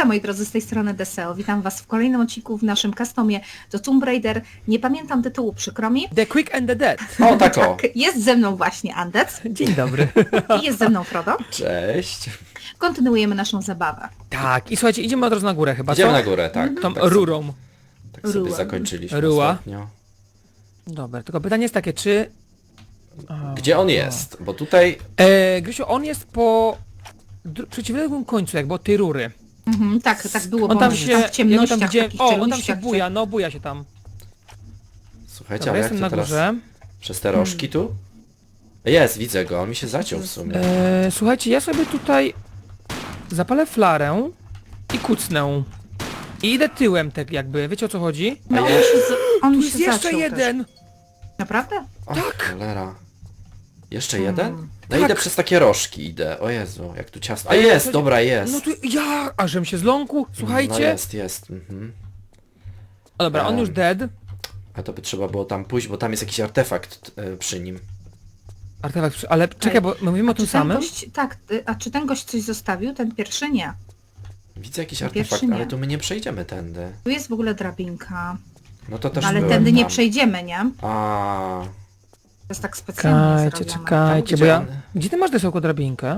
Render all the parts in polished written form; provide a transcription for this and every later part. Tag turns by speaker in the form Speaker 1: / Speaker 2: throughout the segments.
Speaker 1: Witam moi drodzy, z tej strony Deseo. Witam was w kolejnym odcinku w naszym customie do Tomb Raider. Nie pamiętam tytułu, przykro mi.
Speaker 2: The Quick and the Dead.
Speaker 3: O, tak o.
Speaker 1: Tak, jest ze mną właśnie Andec
Speaker 2: Dzień dobry.
Speaker 1: i jest ze mną Frodo.
Speaker 3: Cześć.
Speaker 1: Kontynuujemy naszą zabawę.
Speaker 2: Tak, i słuchajcie, idziemy od razu na górę chyba,
Speaker 3: Idziemy
Speaker 2: co?
Speaker 3: na górę, tak.
Speaker 2: Tą
Speaker 3: tak
Speaker 2: rurą.
Speaker 3: Tak sobie
Speaker 1: Ruła.
Speaker 3: zakończyliśmy
Speaker 2: Ruła.
Speaker 3: ostatnio.
Speaker 2: Dobra, tylko pytanie jest takie, czy...
Speaker 3: Gdzie on jest? Bo tutaj...
Speaker 2: Grysiu, on jest po przeciwległym końcu jakby od tej rury.
Speaker 1: Mhm, tak było,
Speaker 2: On
Speaker 1: bo
Speaker 2: tam
Speaker 1: w
Speaker 2: się...
Speaker 1: ciemnościach, takich
Speaker 2: on tam się
Speaker 1: czeluściach,
Speaker 2: buja, no buja się tam.
Speaker 3: Słuchajcie,
Speaker 2: Dobra,
Speaker 3: ale jak
Speaker 2: jestem
Speaker 3: to
Speaker 2: na
Speaker 3: teraz...
Speaker 2: górze.
Speaker 3: Przez te rożki tu? Jest, widzę go, on mi się zaciął w sumie.
Speaker 2: Słuchajcie, ja sobie tutaj zapalę flarę i kucnę. I idę tyłem tak jakby, wiecie o co chodzi?
Speaker 1: No,
Speaker 3: A ja-
Speaker 1: on
Speaker 2: Tu
Speaker 1: się
Speaker 2: jest jeszcze
Speaker 1: zaciął
Speaker 2: jeden!
Speaker 1: Też. Naprawdę?
Speaker 3: O,
Speaker 2: tak.
Speaker 3: cholera. Jeszcze jeden? No
Speaker 2: Tak.
Speaker 3: idę przez takie rożki, idę. O Jezu, jak tu ciasno. A
Speaker 2: Ale
Speaker 3: jest,
Speaker 2: słuchajcie,
Speaker 3: dobra, jest.
Speaker 2: No tu ja, ażem się zląkł, słuchajcie.
Speaker 3: No jest. Mhm.
Speaker 2: O, dobra, on już dead.
Speaker 3: A to by trzeba było tam pójść, bo tam jest jakiś artefakt przy nim.
Speaker 2: Artefakt, ale czekaj, bo my mówimy o tym
Speaker 1: Czy ten
Speaker 2: samym.
Speaker 1: gość, tak, a czy ten gość coś zostawił? Ten pierwszy nie.
Speaker 3: Widzę jakiś
Speaker 1: Pierwszy
Speaker 3: artefakt,
Speaker 1: nie.
Speaker 3: ale tu my nie przejdziemy tędy.
Speaker 1: Tu jest w ogóle drabinka.
Speaker 3: No to też
Speaker 1: Ale
Speaker 3: byłem
Speaker 1: tędy nie
Speaker 3: tam.
Speaker 1: przejdziemy, nie?
Speaker 3: A,
Speaker 1: To jest tak specjalnie zrobione.
Speaker 2: Czekajcie,
Speaker 3: Tam,
Speaker 2: bo ja...
Speaker 3: gdzie on-
Speaker 2: Gdzie ty masz desełko drabinkę?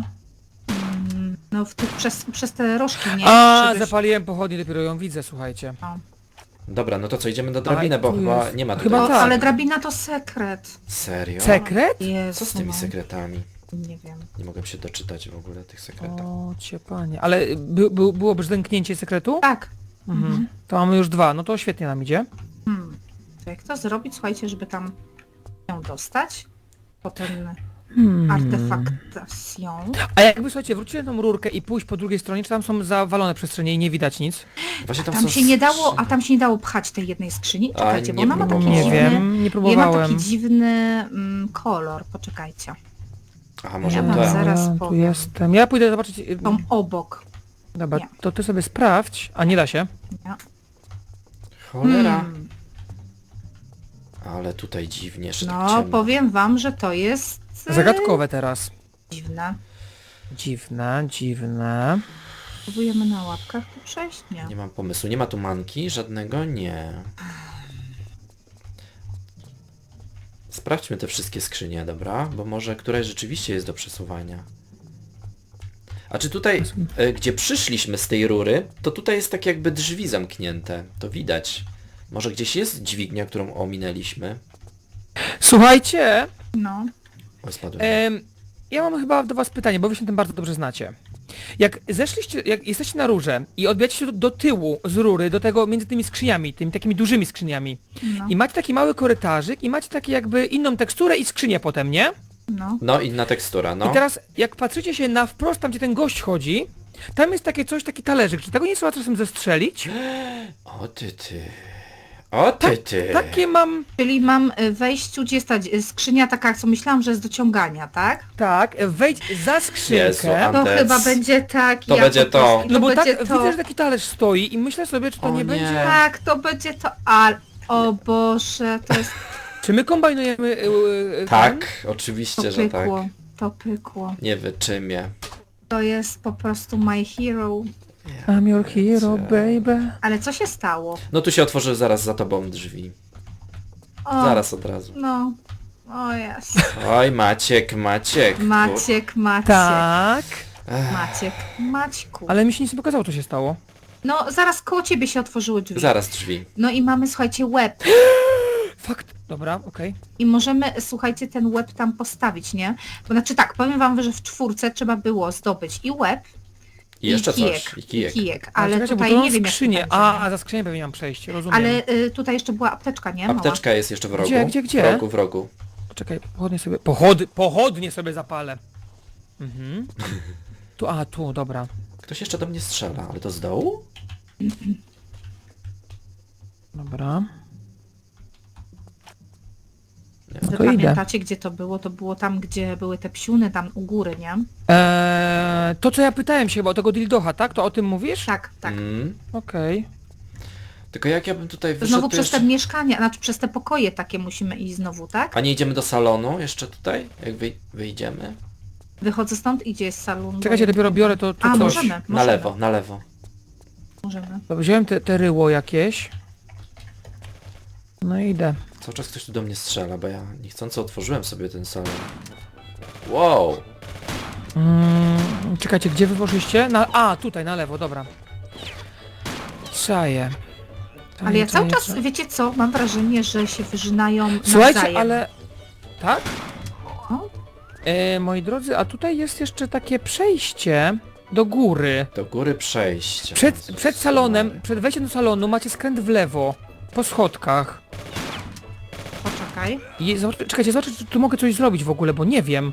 Speaker 1: No w tych, przez te rożki, nie?
Speaker 2: A,
Speaker 1: Żebyś-
Speaker 2: zapaliłem pochodnie, dopiero ją widzę, słuchajcie.
Speaker 1: No.
Speaker 3: Dobra, no to co, idziemy do drabiny, bo
Speaker 2: tu
Speaker 3: chyba
Speaker 2: jest.
Speaker 3: nie ma tutaj...
Speaker 2: Chyba
Speaker 1: O,
Speaker 2: tak.
Speaker 1: ale drabina to sekret.
Speaker 3: Serio?
Speaker 2: Sekret?
Speaker 1: Jezu,
Speaker 3: Co z tymi
Speaker 1: no.
Speaker 3: sekretami?
Speaker 1: Nie wiem.
Speaker 3: Nie mogę się doczytać w ogóle tych sekretów.
Speaker 2: O, cię panie. Ale było brzdęknięcie sekretu?
Speaker 1: Tak.
Speaker 2: Mhm. To mamy już 2, no to świetnie nam idzie.
Speaker 1: To jak to zrobić, słuchajcie, żeby tam ją dostać? Po ten
Speaker 2: Hmm.
Speaker 1: artefaktacją.
Speaker 2: A jakby, słuchajcie, wróciłem tą rurkę i pójść po drugiej stronie, czy tam są zawalone przestrzenie i nie widać nic?
Speaker 3: Właśnie
Speaker 1: Tam
Speaker 3: są
Speaker 1: się nie dało,
Speaker 3: skrzynie.
Speaker 1: a tam się nie dało pchać tej jednej skrzyni? Czekajcie, bo
Speaker 3: nie
Speaker 1: ona ma taki
Speaker 3: próbowałem.
Speaker 2: Nie
Speaker 1: dziwny...
Speaker 2: wiem, nie
Speaker 1: Nie ma
Speaker 2: próbowałem.
Speaker 1: taki dziwny kolor, poczekajcie.
Speaker 3: Aha, może
Speaker 1: Ja wam
Speaker 3: te.
Speaker 1: zaraz
Speaker 2: tu
Speaker 1: powiem.
Speaker 2: jestem. Ja pójdę zobaczyć...
Speaker 1: Tą obok.
Speaker 2: Dobra,
Speaker 1: nie.
Speaker 2: to ty sobie sprawdź, a nie da się.
Speaker 1: Nie?
Speaker 3: Cholera. Ale tutaj dziwnie, że tak
Speaker 1: No,
Speaker 3: ciemno.
Speaker 1: powiem wam, że to jest...
Speaker 2: Zagadkowe teraz.
Speaker 1: Dziwne.
Speaker 2: Dziwne.
Speaker 1: Próbujemy na łapkach tu przejść? Nie.
Speaker 3: Nie mam pomysłu. Nie ma tu manki? Żadnego? Nie. Sprawdźmy te wszystkie skrzynie, dobra? Bo może któraś rzeczywiście jest do przesuwania. A czy tutaj, gdzie przyszliśmy z tej rury, to tutaj jest tak jakby drzwi zamknięte. To widać. Może gdzieś jest dźwignia, którą ominęliśmy?
Speaker 2: Słuchajcie,
Speaker 1: No.
Speaker 3: Oj, spadłem.
Speaker 2: ja mam chyba do was pytanie, bo wy się tym bardzo dobrze znacie. Jak jesteście na rurze i odbijacie się do tyłu z rury, do tego między tymi skrzyniami, tymi takimi dużymi skrzyniami
Speaker 1: No.
Speaker 2: i macie taki mały korytarzyk i macie takie jakby inną teksturę i skrzynię potem, nie?
Speaker 1: No.
Speaker 3: No, inna tekstura, no.
Speaker 2: I teraz jak patrzycie się na wprost, tam gdzie ten gość chodzi, tam jest takie coś, taki talerzyk, czy tego nie trzeba czasem zestrzelić?
Speaker 3: O ty ty. O ty ty.
Speaker 2: Takie mam,
Speaker 1: Czyli mam wejściu, gdzie jest ta skrzynia taka, co myślałam, że jest do ciągania, tak?
Speaker 2: tak, wejdź za
Speaker 3: Jezu,
Speaker 2: skrzynkę.
Speaker 1: To
Speaker 3: Andec.
Speaker 1: chyba będzie tak,
Speaker 3: To
Speaker 1: ja
Speaker 3: będzie
Speaker 1: po prostu-
Speaker 3: to.
Speaker 2: No bo tak,
Speaker 1: będzie to.
Speaker 2: widzę, że taki talerz stoi i myślę sobie, czy to
Speaker 3: O
Speaker 2: nie
Speaker 3: nie.
Speaker 2: będzie...
Speaker 1: Tak, to będzie to, ale... O Boże, to jest...
Speaker 2: Czy my kombinujemy ten?
Speaker 3: Tak,
Speaker 1: To
Speaker 3: oczywiście, że tak.
Speaker 1: pykło. To pykło.
Speaker 3: Nie wyczymię.
Speaker 1: To jest po prostu my hero.
Speaker 2: I'm your hero, baby.
Speaker 1: Ale co się stało?
Speaker 3: No tu się otworzy zaraz za tobą drzwi.
Speaker 1: O,
Speaker 3: Zaraz od razu.
Speaker 1: No. O jest.
Speaker 3: Oj, Maciek.
Speaker 1: Maciek.
Speaker 2: Tak,
Speaker 1: Maciek. Maćku.
Speaker 2: ale mi się nic nie pokazało, co się stało.
Speaker 1: No, zaraz koło ciebie się otworzyły drzwi.
Speaker 3: Zaraz drzwi.
Speaker 1: No i mamy, słuchajcie, łeb.
Speaker 2: Fakt. Dobra, okej.
Speaker 1: I możemy, słuchajcie, ten łeb tam postawić, nie? Bo znaczy tak, powiem wam, że w 4 trzeba było zdobyć i łeb,
Speaker 3: I jeszcze
Speaker 1: kijek,
Speaker 3: coś. I kijek.
Speaker 2: A
Speaker 1: ale
Speaker 2: czekajcie, bo
Speaker 1: tutaj
Speaker 2: tu
Speaker 1: nie wiem, jak
Speaker 2: skrzynię.
Speaker 1: to będzie,
Speaker 2: A za skrzynię pewnie mam przejść, rozumiem.
Speaker 1: ale tutaj jeszcze była apteczka, nie? Mała.
Speaker 3: Apteczka jest jeszcze w rogu.
Speaker 2: Gdzie?
Speaker 3: W rogu.
Speaker 2: Czekaj, pochodnie sobie... Pochodnie sobie zapalę. Mhm. Tu, dobra.
Speaker 3: Ktoś jeszcze do mnie strzela, ale to z dołu?
Speaker 2: Dobra.
Speaker 1: Wy
Speaker 2: to idę.
Speaker 1: pamiętacie, gdzie to było? To było tam, gdzie były te psiuny, tam u góry, nie?
Speaker 2: To co ja pytałem się chyba o tego dildocha, tak? To o tym mówisz?
Speaker 1: Tak, tak.
Speaker 2: Okej.
Speaker 3: Tylko jak ja bym tutaj wyszedł,
Speaker 1: Znowu
Speaker 3: to
Speaker 1: przez
Speaker 3: jeszcze...
Speaker 1: te mieszkania, znaczy przez te pokoje takie musimy iść znowu, tak?
Speaker 3: A nie idziemy do salonu jeszcze tutaj? Jak wyjdziemy?
Speaker 1: Wychodzę stąd i gdzie jest salon?
Speaker 2: Czekajcie, dopiero biorę to
Speaker 1: A,
Speaker 2: coś.
Speaker 1: możemy.
Speaker 3: Na lewo, na lewo.
Speaker 1: Możemy.
Speaker 2: To wziąłem te ryło jakieś. No i idę.
Speaker 3: Cały czas ktoś tu do mnie strzela, bo ja niechcący otworzyłem sobie ten salon. Wow!
Speaker 2: Czekajcie, gdzie wy poszliście? A, tutaj, na lewo, dobra. Czaję.
Speaker 1: Ale ja cały czas,
Speaker 2: Czaję.
Speaker 1: wiecie co, mam wrażenie, że się wyżynają
Speaker 2: Słuchajcie,
Speaker 1: nawzajem.
Speaker 2: ale... Tak?
Speaker 1: No.
Speaker 2: Moi drodzy, a tutaj jest jeszcze takie przejście do góry.
Speaker 3: Do góry przejścia.
Speaker 2: Przed salonem, przed wejściem do salonu macie skręt w lewo. Po schodkach.
Speaker 1: Poczekaj.
Speaker 2: Czekajcie, zobaczę, czy tu mogę coś zrobić w ogóle, bo nie wiem.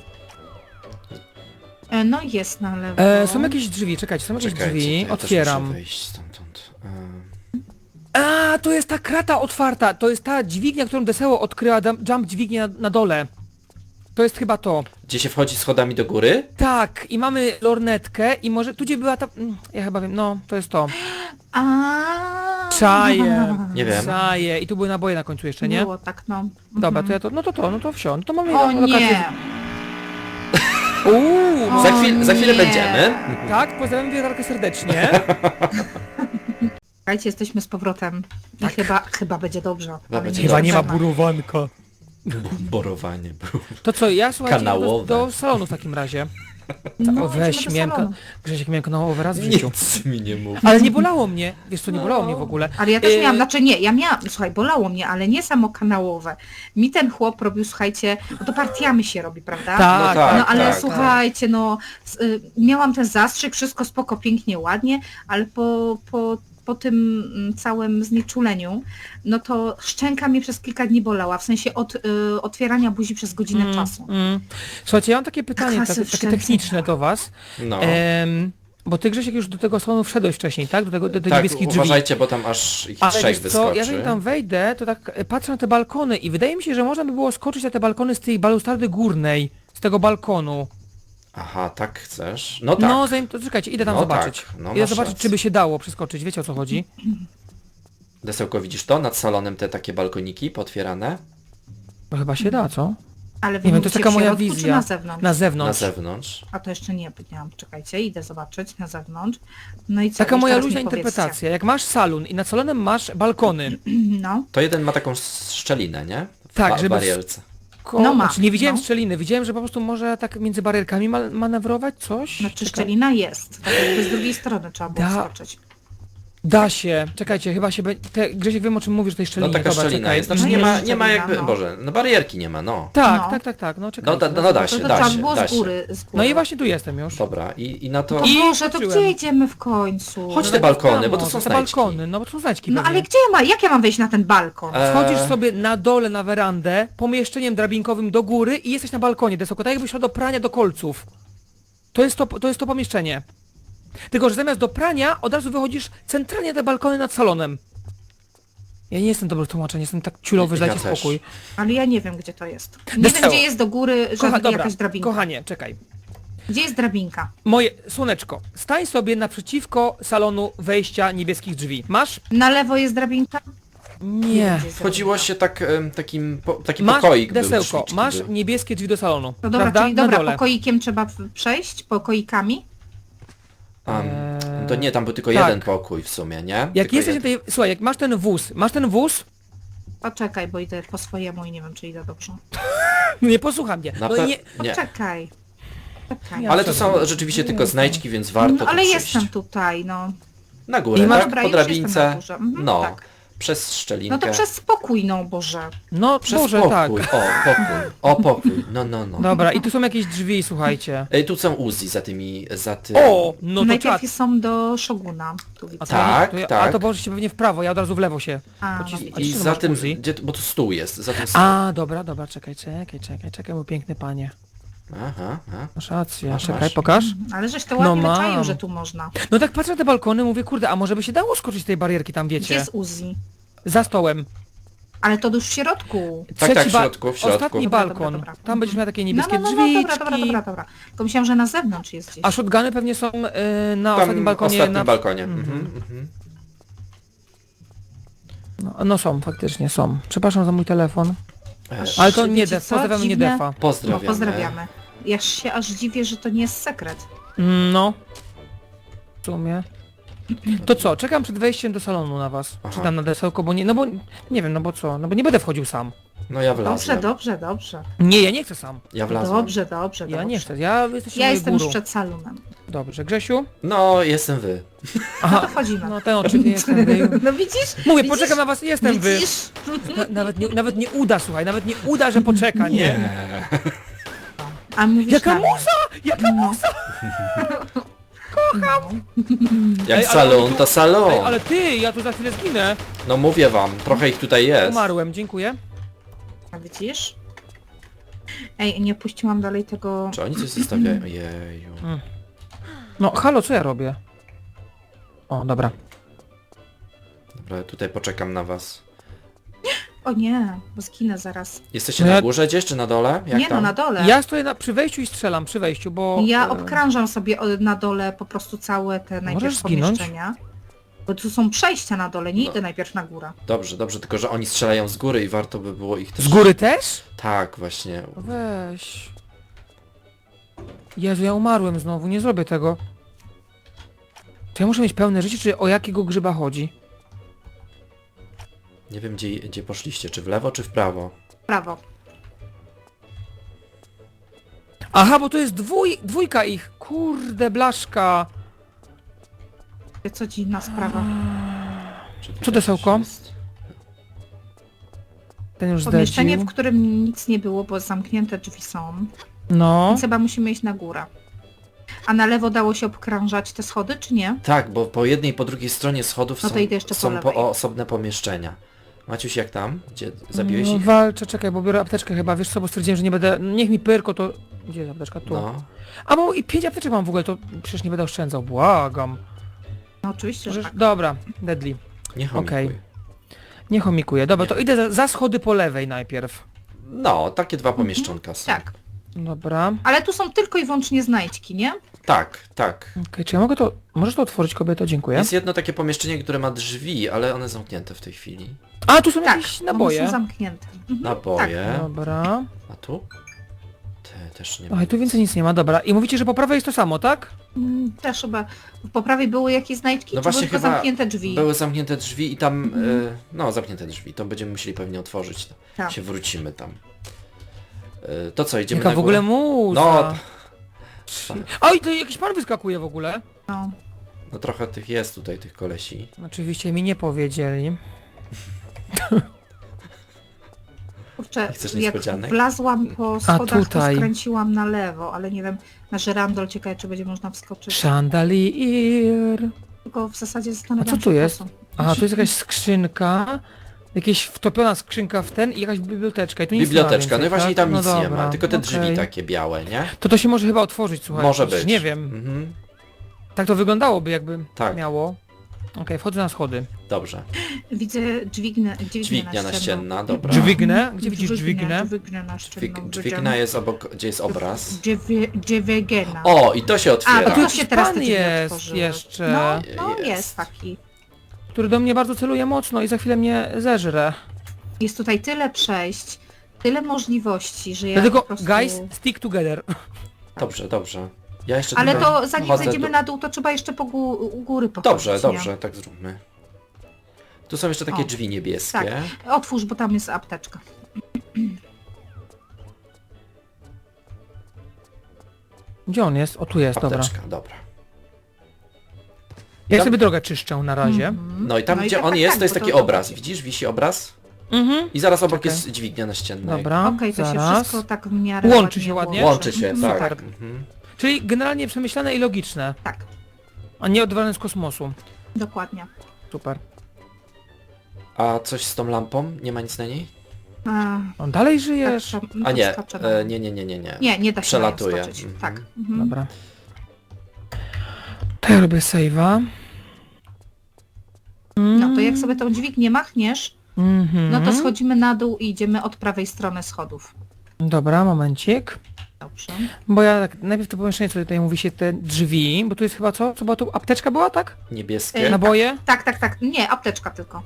Speaker 1: No jest na lewo.
Speaker 2: Są jakieś drzwi, czekajcie, są jakieś
Speaker 3: Czekajcie,
Speaker 2: drzwi.
Speaker 3: to ja też
Speaker 2: Otwieram.
Speaker 3: muszę wyjść stamtąd.
Speaker 2: A, to jest ta krata otwarta. To jest ta dźwignia, którą Deseło odkryła, jump dźwignia na dole. To jest chyba to.
Speaker 3: Gdzie się wchodzi schodami do góry?
Speaker 2: Tak, i mamy lornetkę i może tu gdzie była ta... Ja chyba wiem, no, to jest to. Czaję.
Speaker 3: Nie wiem.
Speaker 2: Czaję. I tu były naboje na końcu jeszcze, nie?
Speaker 1: Było tak, no.
Speaker 2: Dobra, to ja to... No to wsio. No to mamy
Speaker 1: O
Speaker 2: lokację.
Speaker 1: nie!
Speaker 2: Uuu,
Speaker 3: Za chwilę
Speaker 1: nie.
Speaker 3: będziemy.
Speaker 2: tak, pozdrawiam wiertarkę serdecznie.
Speaker 1: Słuchajcie, jesteśmy z powrotem. I chyba będzie dobrze. Ale
Speaker 3: będzie
Speaker 2: Chyba nie ma
Speaker 1: wiadomo.
Speaker 2: burowanka.
Speaker 3: Borowanie.
Speaker 2: To co, ja słuchajcie,
Speaker 3: Kanałowe.
Speaker 2: do salonu w takim razie.
Speaker 1: No,
Speaker 2: O, weź,
Speaker 1: idziemy do
Speaker 2: miałem,
Speaker 1: salonu.
Speaker 2: Grzesiek, miałem kanałowy raz w życiu.
Speaker 3: Nic mi nie mów.
Speaker 2: Ale nie bolało mnie. Wiesz co, nie bolało mnie w ogóle.
Speaker 1: Ale ja też miałam,
Speaker 2: Yy,
Speaker 1: znaczy nie, ja miałam, słuchaj, bolało mnie, ale nie samo kanałowe. Mi ten chłop robił, słuchajcie, bo to partiami się robi, prawda?
Speaker 2: Tak,
Speaker 3: No tak.
Speaker 1: No ale
Speaker 3: tak.
Speaker 1: słuchajcie, no miałam ten zastrzyk, wszystko spoko, pięknie, ładnie, ale po tym całym znieczuleniu, no to szczęka mnie przez kilka dni bolała, w sensie od otwierania buzi przez godzinę czasu.
Speaker 2: Słuchajcie, ja mam takie pytanie,
Speaker 1: Kasy
Speaker 2: takie
Speaker 1: wszędzie.
Speaker 2: techniczne do was.
Speaker 3: No.
Speaker 2: Bo ty, Grzesiek, już do tego salonu wszedłeś wcześniej, tak? Do tych
Speaker 3: Tak,
Speaker 2: niebieskich drzwi.
Speaker 3: uważajcie, bo tam aż ich
Speaker 2: Ale
Speaker 3: trzech
Speaker 2: wiesz co,
Speaker 3: wyskoczy.
Speaker 2: ja zanim tam wejdę, to tak patrzę na te balkony i wydaje mi się, że można by było skoczyć na te balkony z tej balustrady górnej, z tego balkonu.
Speaker 3: Aha, tak chcesz? No tak.
Speaker 2: No, zanim to czekajcie, idę tam
Speaker 3: No
Speaker 2: zobaczyć.
Speaker 3: tak, no
Speaker 2: Idę
Speaker 3: masz
Speaker 2: zobaczyć,
Speaker 3: rację.
Speaker 2: czy by się dało przeskoczyć, wiecie o co chodzi?
Speaker 3: Desełko, widzisz to? Nad salonem te takie balkoniki potwierane?
Speaker 2: No chyba się da, co?
Speaker 1: Ale wy
Speaker 2: Nie wiem, to jest
Speaker 1: mówicie
Speaker 2: taka
Speaker 1: w
Speaker 2: moja
Speaker 1: środku, czy
Speaker 2: wizja.
Speaker 1: na zewnątrz?
Speaker 2: Na
Speaker 3: Na
Speaker 2: zewnątrz.
Speaker 3: zewnątrz.
Speaker 1: A to jeszcze nie powiedziałam, czekajcie, idę zobaczyć na zewnątrz. No i co?
Speaker 2: Taka
Speaker 1: Już
Speaker 2: moja
Speaker 1: teraz
Speaker 2: luźna
Speaker 1: mi powiedzcie.
Speaker 2: interpretacja. Jak masz salon i nad salonem masz balkony.
Speaker 1: No.
Speaker 3: To jeden ma taką szczelinę, nie? W
Speaker 2: Tak, żeby-
Speaker 3: barierce.
Speaker 1: No ma,
Speaker 2: Znaczy, nie widziałem
Speaker 1: no.
Speaker 2: szczeliny, widziałem, że po prostu może tak między barierkami manewrować coś.
Speaker 1: Znaczy
Speaker 2: Czekaj.
Speaker 1: szczelina jest, tak jakby z drugiej strony trzeba było
Speaker 2: Da.
Speaker 1: skoczyć.
Speaker 2: Da się, czekajcie, chyba się Grzesiek, wiem o czym mówisz, tej
Speaker 3: No
Speaker 2: szczelinie.
Speaker 3: taka
Speaker 2: Dobra,
Speaker 3: szczelina
Speaker 2: czekaj.
Speaker 3: jest. Znaczy
Speaker 1: No
Speaker 3: nie ma,
Speaker 1: jest
Speaker 3: nie ma
Speaker 1: szczelina,
Speaker 3: jakby...
Speaker 1: no.
Speaker 3: Boże, no barierki nie ma, no.
Speaker 2: Tak,
Speaker 1: No.
Speaker 2: tak, no czekaj.
Speaker 3: No da
Speaker 1: To
Speaker 3: się,
Speaker 1: trzeba
Speaker 3: da
Speaker 1: było
Speaker 3: się.
Speaker 1: z góry.
Speaker 2: No i właśnie tu jestem już.
Speaker 3: Dobra, i na to...
Speaker 1: To
Speaker 2: I
Speaker 1: Boże, to
Speaker 2: skoczyłem.
Speaker 1: gdzie idziemy w końcu?
Speaker 3: Chodź
Speaker 2: No
Speaker 3: te
Speaker 2: tak,
Speaker 3: balkony,
Speaker 2: tam,
Speaker 3: bo to
Speaker 2: no,
Speaker 3: są
Speaker 2: te
Speaker 3: znajdźki.
Speaker 2: balkony, no bo to są znajdźki
Speaker 1: No
Speaker 2: pewnie.
Speaker 1: ale gdzie jak ja mam wejść na ten balkon?
Speaker 2: Wchodzisz sobie na dole na werandę, pomieszczeniem drabinkowym do góry i jesteś na balkonie, Desoko, tak jakbyś szła do prania do kolców. To jest to pomieszczenie. Tylko, że zamiast do prania od razu wychodzisz centralnie na te balkony nad salonem. Ja nie jestem dobry w tłumaczeniu, jestem tak ciulowy, że
Speaker 3: Ja
Speaker 2: dajcie
Speaker 3: też.
Speaker 2: spokój.
Speaker 1: Ale ja nie wiem, gdzie to jest. Nie
Speaker 2: Deseło.
Speaker 1: wiem, gdzie jest do góry
Speaker 2: Dobra,
Speaker 1: jakaś drabinka.
Speaker 2: kochanie, czekaj.
Speaker 1: Gdzie jest drabinka?
Speaker 2: Moje słoneczko, stań sobie naprzeciwko salonu wejścia niebieskich drzwi. Masz?
Speaker 1: Na lewo jest drabinka?
Speaker 2: Nie.
Speaker 1: wiem, gdzie jest
Speaker 3: Wchodziło
Speaker 1: drabinka.
Speaker 3: się tak, taki
Speaker 2: Masz,
Speaker 3: pokoik był,
Speaker 2: Desełko,
Speaker 3: drzwiczki
Speaker 2: masz
Speaker 3: były.
Speaker 2: niebieskie drzwi do salonu.
Speaker 1: No dobra,
Speaker 2: prawda?
Speaker 1: czyli
Speaker 2: Na
Speaker 1: dobra,
Speaker 2: dole.
Speaker 1: pokoikiem trzeba przejść? Pokoikami?
Speaker 3: To nie, tam był tylko
Speaker 2: tak.
Speaker 3: jeden pokój w sumie, nie?
Speaker 2: Jak
Speaker 3: Tylko
Speaker 2: jesteś
Speaker 3: jeden.
Speaker 2: tutaj, słuchaj, jak masz ten wóz,
Speaker 1: Poczekaj, bo idę po swojemu i nie wiem, czy idę dobrze.
Speaker 2: nie posłuchaj mnie.
Speaker 3: Na
Speaker 2: No
Speaker 3: pe-
Speaker 2: nie,
Speaker 3: nie.
Speaker 1: Poczekaj. Czekaj.
Speaker 2: Ja-
Speaker 3: Ale to są rzeczywiście tylko znajdźki, więc warto
Speaker 1: No, ale
Speaker 3: tu przyjść.
Speaker 1: jestem tutaj, no.
Speaker 3: Na górę,
Speaker 2: I masz-
Speaker 3: tak?
Speaker 1: Dobra,
Speaker 3: Po
Speaker 1: już jestem
Speaker 3: drabince.
Speaker 1: na górze. Mhm,
Speaker 3: No,
Speaker 1: tak.
Speaker 3: przez szczelinkę.
Speaker 1: No to przez spokój, no Boże.
Speaker 2: no
Speaker 3: Przez
Speaker 2: Boże, tak.
Speaker 3: pokój. O, pokój. O, pokój. No.
Speaker 2: Dobra, i tu są jakieś drzwi, słuchajcie.
Speaker 3: Ej, tu są Uzi za tymi, za tym.
Speaker 2: O, no to czad.
Speaker 1: Najpierw są do Szoguna. Tu widzę.
Speaker 2: A to,
Speaker 3: Tak,
Speaker 2: to,
Speaker 3: tak.
Speaker 2: A to poszliście pewnie w prawo, ja od razu w lewo się.
Speaker 1: A, no
Speaker 2: pocisnę.
Speaker 1: widzisz.
Speaker 3: I
Speaker 2: tu
Speaker 3: za
Speaker 2: masz
Speaker 3: tym,
Speaker 2: Uzi?
Speaker 3: bo tu stół jest, za tym stół.
Speaker 2: A, dobra, czekaj, mój piękny panie.
Speaker 3: Aha.
Speaker 2: Masz rację,
Speaker 3: Masz,
Speaker 2: czekaj,
Speaker 3: masz.
Speaker 2: pokaż.
Speaker 1: Ale żeś to
Speaker 2: No
Speaker 1: ładnie
Speaker 2: mam.
Speaker 1: wyczaił, że tu można.
Speaker 2: No tak patrzę na te balkony, mówię, kurde, a może by się dało skoczyć z tej barierki tam,
Speaker 1: Gdzie
Speaker 2: wiecie?
Speaker 1: jest Uzi?
Speaker 2: Za stołem.
Speaker 1: Ale to już w środku.
Speaker 3: Tak,
Speaker 2: Trzeci
Speaker 3: w środku.
Speaker 2: Ostatni
Speaker 1: Dobra,
Speaker 2: balkon.
Speaker 1: dobra.
Speaker 2: Tam będziesz miał takie
Speaker 1: No,
Speaker 2: niebieskie
Speaker 1: no,
Speaker 2: drzwiczki.
Speaker 1: dobra. Tylko myślałam, że na zewnątrz jest gdzieś.
Speaker 2: A shotguny pewnie są na ostatnim
Speaker 3: Tam
Speaker 2: balkonie.
Speaker 3: ostatnim balkonie.
Speaker 2: No są, faktycznie są. Przepraszam za mój telefon.
Speaker 3: Aż
Speaker 2: Ale to nie
Speaker 1: wiecie
Speaker 2: def,
Speaker 1: co?
Speaker 2: pozdrawiamy nie
Speaker 1: Dziwne.
Speaker 2: defa.
Speaker 1: No,
Speaker 3: Pozdrawiamy.
Speaker 1: pozdrawiamy. Ja się aż dziwię, że to nie jest sekret.
Speaker 2: No. W sumie. To co, czekam przed wejściem do salonu na was.
Speaker 3: Aha.
Speaker 2: Czy tam na desełko, bo nie, no bo, nie wiem, no bo co, no bo nie będę wchodził sam.
Speaker 3: No ja
Speaker 1: Dobrze,
Speaker 3: wlazłem.
Speaker 1: dobrze.
Speaker 2: Nie, ja nie chcę sam.
Speaker 3: Ja wlazłem.
Speaker 1: Dobrze.
Speaker 2: Ja nie chcę, ja jesteście
Speaker 1: Ja
Speaker 2: moją
Speaker 1: jestem już
Speaker 2: górą.
Speaker 1: przed salonem.
Speaker 2: Dobrze, Grzesiu?
Speaker 3: No, jestem wy.
Speaker 1: No
Speaker 2: Aha,
Speaker 1: to wchodzimy.
Speaker 2: no ten oczywiście jestem wy.
Speaker 1: No widzisz?
Speaker 2: Mówię,
Speaker 1: Widzisz?
Speaker 2: poczekam na was, jestem wy.
Speaker 1: Widzisz?
Speaker 2: Nawet nie uda, słuchaj, nawet nie uda, że poczeka, nie?
Speaker 1: A mówisz
Speaker 2: Jaka
Speaker 1: na mnie.
Speaker 2: muza! Jaka muza!
Speaker 3: Jak
Speaker 2: Ej, ale
Speaker 3: salon,
Speaker 2: oni tu-
Speaker 3: to salon.
Speaker 2: Ej, ale ty, ja tu za chwilę zginę.
Speaker 3: No mówię wam, trochę ich tutaj jest.
Speaker 2: Umarłem, dziękuję.
Speaker 1: A widzisz? Ej, nie puściłam dalej tego...
Speaker 3: Czy oni coś zostawiają? Jeju.
Speaker 2: No, halo, co ja robię? O, dobra.
Speaker 3: Dobra, ja tutaj poczekam na was.
Speaker 1: O nie, bo zginę zaraz.
Speaker 3: Jesteście
Speaker 2: No
Speaker 3: na
Speaker 2: ja-
Speaker 3: górze gdzieś, czy na dole? Jak
Speaker 1: Nie
Speaker 3: tam?
Speaker 1: no, na dole.
Speaker 2: Ja stoję przy wejściu i strzelam, przy wejściu, bo...
Speaker 1: Ja obkrążam sobie na dole po prostu całe te najpierw
Speaker 2: zginąć?
Speaker 1: pomieszczenia. Bo tu są przejścia na dole, nie idę najpierw na górę.
Speaker 3: Dobrze, tylko że oni strzelają z góry i warto by było ich też...
Speaker 2: Z góry też?
Speaker 3: Tak, właśnie.
Speaker 2: Weź. Jezu, ja umarłem znowu, nie zrobię tego. To ja muszę mieć pełne życie, czy o jakiego grzyba chodzi?
Speaker 3: Nie wiem gdzie poszliście, czy w lewo, czy w prawo.
Speaker 1: Prawo.
Speaker 2: Aha, bo to jest dwójka ich. Kurde, blaszka.
Speaker 1: Co dziwna sprawa.
Speaker 3: Czy tutaj
Speaker 2: Co desełko?
Speaker 3: coś jest?
Speaker 2: Ten już
Speaker 1: Pomieszczenie,
Speaker 2: zlecił.
Speaker 1: w którym nic nie było, bo zamknięte drzwi są.
Speaker 2: No.
Speaker 1: Więc chyba musimy iść na górę. A na lewo dało się obkrążać te schody, czy nie?
Speaker 3: Tak, bo po jednej i po drugiej stronie schodów
Speaker 1: No to
Speaker 3: są,
Speaker 1: idę jeszcze po
Speaker 3: są
Speaker 1: lewej.
Speaker 3: osobne pomieszczenia. Maciuś, jak tam? Gdzie zabiłeś
Speaker 2: No,
Speaker 3: ich?
Speaker 2: walczę, czekaj, bo biorę apteczkę chyba, wiesz co, bo stwierdziłem, że nie będę... Niech mi pyrko to... Gdzie jest apteczka? Tu.
Speaker 3: No.
Speaker 2: A bo i 5 apteczek mam w ogóle, to przecież nie będę oszczędzał, błagam.
Speaker 1: No oczywiście, że
Speaker 2: Że...
Speaker 1: tak.
Speaker 2: Dobra, deadly.
Speaker 3: Nie chomikuj.
Speaker 2: Okej. Nie chomikuję. Dobra,
Speaker 3: Nie.
Speaker 2: to idę za schody po lewej najpierw.
Speaker 3: No, takie dwa pomieszczonka są.
Speaker 1: Tak.
Speaker 2: Dobra.
Speaker 1: Ale tu są tylko i wyłącznie znajdźki, nie?
Speaker 3: Tak.
Speaker 2: Okej, czy ja mogę to... Możesz to otworzyć, kobieto? Dziękuję.
Speaker 3: Jest jedno takie pomieszczenie, które ma drzwi, ale one zamknięte w tej chwili.
Speaker 2: A, tu są
Speaker 1: Tak,
Speaker 2: jakieś
Speaker 1: one
Speaker 2: naboje.
Speaker 1: są zamknięte. Mhm.
Speaker 3: Naboje.
Speaker 2: Dobra.
Speaker 3: A tu? Te też nie ma.
Speaker 2: Oj, tu więcej nic nie ma, dobra. I mówicie, że po prawej jest to samo, tak?
Speaker 1: Też chyba po prawej były jakieś znajdźki,
Speaker 3: No
Speaker 1: czy
Speaker 3: właśnie
Speaker 1: były tylko
Speaker 3: chyba
Speaker 1: zamknięte drzwi?
Speaker 3: Były zamknięte drzwi i tam... no, zamknięte drzwi. To będziemy musieli pewnie otworzyć. To
Speaker 1: Tak.
Speaker 3: się wrócimy tam. To co, idziemy
Speaker 2: Jaka
Speaker 3: na
Speaker 2: w ogóle
Speaker 3: górę?
Speaker 2: muza.
Speaker 3: No,
Speaker 2: Oj, to jakiś pan wyskakuje w ogóle.
Speaker 1: No.
Speaker 3: no trochę tych jest tutaj, tych kolesi.
Speaker 2: Oczywiście mi nie powiedzieli.
Speaker 1: Kurczę,
Speaker 3: Chcesz
Speaker 1: jak
Speaker 3: niespodzianek?
Speaker 1: wlazłam po schodach, to
Speaker 2: tutaj.
Speaker 1: skręciłam na lewo, ale nie wiem, na żyrandol ciekawe, czy będzie można wskoczyć.
Speaker 2: Chandelier.
Speaker 1: Tylko w zasadzie zastanawiam
Speaker 2: A co
Speaker 1: się,
Speaker 2: tu
Speaker 1: po
Speaker 2: jest?
Speaker 1: co.
Speaker 2: Aha, tu jest jakaś skrzynka. Jakaś wtopiona skrzynka w ten i jakaś biblioteczka. I tu nic
Speaker 3: Biblioteczka,
Speaker 2: nie ma
Speaker 3: no i właśnie
Speaker 2: więcej,
Speaker 3: tam
Speaker 2: tak?
Speaker 3: nic
Speaker 2: No
Speaker 3: nie ma,
Speaker 2: dobra,
Speaker 3: tylko te drzwi
Speaker 2: okej.
Speaker 3: takie białe, nie?
Speaker 2: To się może chyba otworzyć, słuchaj.
Speaker 3: Może
Speaker 2: przecież
Speaker 3: być.
Speaker 2: Nie wiem.
Speaker 3: Mhm.
Speaker 2: Tak to wyglądałoby, jakby
Speaker 3: Tak.
Speaker 2: miało. Okej, wchodzę na schody.
Speaker 3: Dobrze.
Speaker 1: Widzę dźwignę
Speaker 3: Dźwignia naścienna, dobra.
Speaker 2: Dźwignę? Gdzie widzisz dźwignę?
Speaker 1: Dźwignę naścienną.
Speaker 3: Dźwignia jest obok, gdzie jest obraz.
Speaker 1: Dźwigena.
Speaker 3: O, i to się
Speaker 1: A,
Speaker 3: otwiera.
Speaker 1: to
Speaker 2: tu
Speaker 1: się teraz te
Speaker 2: pan
Speaker 1: drzwi
Speaker 2: jest
Speaker 1: otworzyły.
Speaker 2: jeszcze.
Speaker 1: No,
Speaker 3: Jest.
Speaker 1: jest taki.
Speaker 2: Który do mnie bardzo celuje mocno i za chwilę mnie zeżre.
Speaker 1: Jest tutaj tyle przejść, tyle możliwości, że ja
Speaker 2: Dlatego,
Speaker 1: po prostu...
Speaker 2: guys, stick together.
Speaker 3: Dobrze. Ja jeszcze
Speaker 1: Ale
Speaker 3: tylko
Speaker 1: to zanim
Speaker 3: chodzę
Speaker 1: zejdziemy
Speaker 3: do-
Speaker 1: na dół, to trzeba jeszcze po u góry pochodzić.
Speaker 3: Dobrze, tak zróbmy. Tu są jeszcze takie
Speaker 1: O,
Speaker 3: drzwi niebieskie.
Speaker 1: Tak. Otwórz, bo tam jest apteczka.
Speaker 2: Gdzie on jest? O, tu jest, dobra.
Speaker 3: Apteczka, dobra.
Speaker 2: Ja
Speaker 3: Tam-
Speaker 2: sobie drogę czyszczę na razie.
Speaker 1: Mhm.
Speaker 3: No i tam
Speaker 1: No i
Speaker 3: gdzie
Speaker 1: tak,
Speaker 3: on
Speaker 1: tak,
Speaker 3: jest,
Speaker 1: tak,
Speaker 3: to jest
Speaker 1: bo
Speaker 3: taki
Speaker 1: to-
Speaker 3: obraz. Widzisz? Wisi obraz?
Speaker 2: Mhm.
Speaker 3: I zaraz obok
Speaker 2: Czekaj.
Speaker 3: jest dźwignia naścienna.
Speaker 2: Dobra,
Speaker 1: Okej, to się
Speaker 2: zaraz.
Speaker 1: wszystko tak w miarę
Speaker 2: Łączy się ładnie?
Speaker 3: Łączy się,
Speaker 1: Mhm,
Speaker 3: tak.
Speaker 2: Super.
Speaker 3: Mhm.
Speaker 2: Czyli generalnie przemyślane i logiczne,
Speaker 1: Tak,
Speaker 2: a nie odwalane z kosmosu.
Speaker 1: dokładnie.
Speaker 2: Super.
Speaker 3: A coś z tą lampą? Nie ma nic na niej?
Speaker 2: On dalej żyjesz?
Speaker 1: Tak,
Speaker 3: A nie,
Speaker 1: podskoczę na nią.
Speaker 3: nie.
Speaker 1: Nie da się
Speaker 3: Przelatuje.
Speaker 1: na nią skoczyć.
Speaker 3: Mhm.
Speaker 1: Tak. Mhm.
Speaker 2: Dobra. To ja robię save'a.
Speaker 1: No to jak sobie tą dźwignię machniesz,
Speaker 2: Mhm.
Speaker 1: no to schodzimy na dół i idziemy od prawej strony schodów.
Speaker 2: Dobra, momencik.
Speaker 1: Dobrze.
Speaker 2: Bo ja tak, najpierw to pomieszczenie, co tutaj mówi się, te drzwi, bo tu jest chyba co? Co była tu? Apteczka była, tak?
Speaker 3: Niebieskie.
Speaker 2: Naboje?
Speaker 1: Tak. Nie, apteczka tylko.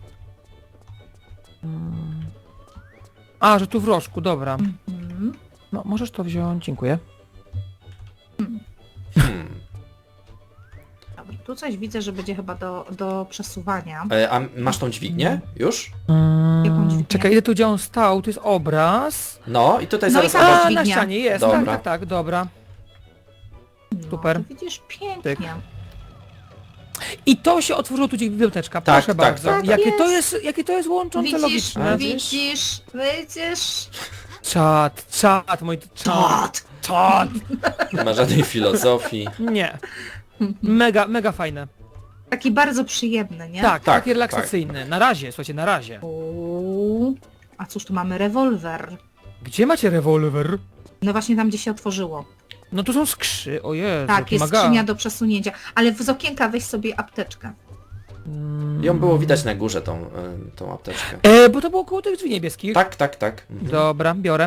Speaker 2: A, że tu w rożku, dobra.
Speaker 1: Mhm.
Speaker 2: No, możesz to wziąć, dziękuję.
Speaker 3: Hmm.
Speaker 1: Dobra. Tu coś widzę, że będzie chyba do przesuwania.
Speaker 3: A masz tą dźwignię? Już?
Speaker 1: Jaką dźwignię?
Speaker 2: Czekaj, ile tu gdzie on stał? Tu jest obraz.
Speaker 3: No i tutaj
Speaker 1: No
Speaker 3: zaraz
Speaker 1: i tam
Speaker 3: obok...
Speaker 2: A,
Speaker 1: dźwignia.
Speaker 2: na ścianie jest,
Speaker 3: Dobra.
Speaker 2: tak, dobra.
Speaker 1: No,
Speaker 2: super.
Speaker 1: to widzisz, pięknie.
Speaker 2: Tyk. I to się otworzyło tu gdzie biblioteczka,
Speaker 3: Tak,
Speaker 2: proszę
Speaker 3: tak,
Speaker 2: bardzo.
Speaker 3: tak, tak.
Speaker 2: Jakie to jest łączące
Speaker 1: Widzisz,
Speaker 2: logiczne.
Speaker 1: widzisz.
Speaker 2: Czad, mój czad. Czad.
Speaker 3: Nie ma żadnej filozofii.
Speaker 2: Nie. Mega fajne.
Speaker 1: Taki bardzo przyjemny, nie?
Speaker 2: Tak,
Speaker 3: Tak,
Speaker 2: takie relaksacyjne. Na razie, słuchajcie, na razie.
Speaker 1: Uuu. A cóż, tu mamy rewolwer.
Speaker 2: Gdzie macie rewolwer?
Speaker 1: No właśnie tam, gdzie się otworzyło.
Speaker 2: No tu są o Jezu,
Speaker 1: Tak,
Speaker 2: jaki
Speaker 1: jest
Speaker 2: maga.
Speaker 1: skrzynia do przesunięcia. Ale z okienka weź sobie apteczkę.
Speaker 3: Ją było widać na górze, tą apteczkę.
Speaker 2: Bo to było koło tych drzwi niebieskich.
Speaker 3: Tak. Mhm.
Speaker 2: Dobra, biorę.